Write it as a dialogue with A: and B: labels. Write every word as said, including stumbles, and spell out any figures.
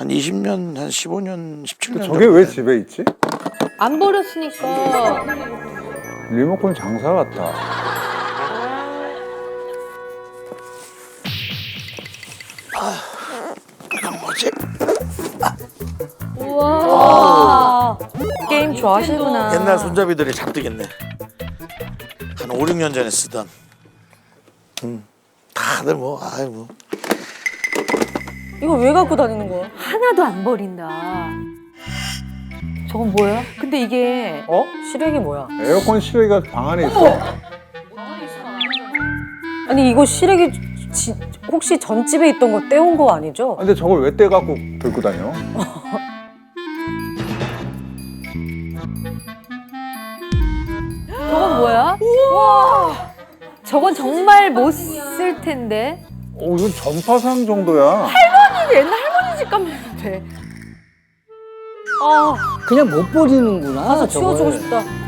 A: 한 이십 년, 한 십오 년, 십칠 년.
B: 저게 왜 집에 있지?
C: 안 버렸으니까.
B: 리모컨 장사 같다.
A: 이건 뭐지?
C: 우와.
D: 게임 좋아하시구나.
A: 옛날 손잡이들이 잡득했네. 한 오, 육 년 전에 쓰던. 음, 다들 뭐, 아이 뭐.
D: 이거 왜 갖고 다니는 거야?
C: 하나도 안 버린다. 저건 뭐야? 근데 이게
D: 어? 시래기 뭐야?
B: 에어컨 실외기가 방 안에 있어.
D: 아니 이거 시래기 지, 혹시 전집에 있던 거 떼온 거 아니죠?
B: 근데 저걸 왜 떼갖고 들고 다녀?
C: 저건 뭐야? 우와. 저건 정말 못 쓸 텐데.
B: 어, 이건 전파상 정도야.
C: 옛날 할머니 집 가면 돼. 아.
E: 그냥 못 버리는구나.
D: 가서
E: 저걸.
D: 치워주고 싶다.